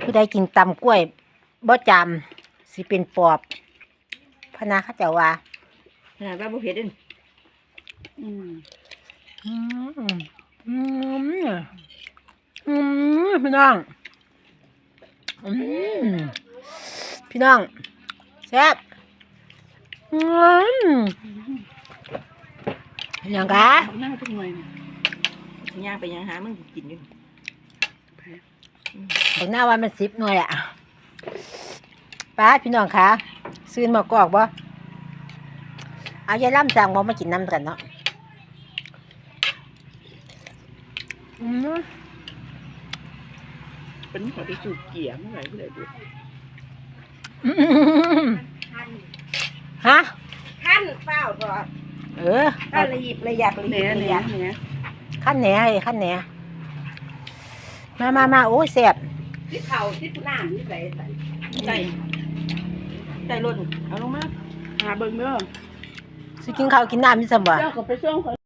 ผู้ใดกินตำกล้วยบ่จำสิเป็นปอบพะนาเขาเจ้าว่าขนาดว่าบ่เผ็ดเด้อืมพี่น้องพี่น้องแซ่บยังกะหน้าทุกหน่วยย่างไปย่างหามึงกินอยู่บอกหน้าว่ามัน10 หน่วยอ่ะป้าพี่น้องคะซื้อมากอกบ่เอายายล่ำสั่งบ่มากินน้ำกันเนาะเป็นขอที่สูบเกี่ยเมื่อไหร่ก็เลยดูฮะขั้นเปล่าตัวระยิบระยับเนี่ยขั้นแหน่ขั้นแหน่มาโอ้ยแซ่บที่เข่าที่น้ำนี่ใส่รถเอาลงมาหาเบิ่งเด้อสิกินข้าวกินน้ำมีสมบัติเจ้าก็ไปส่ง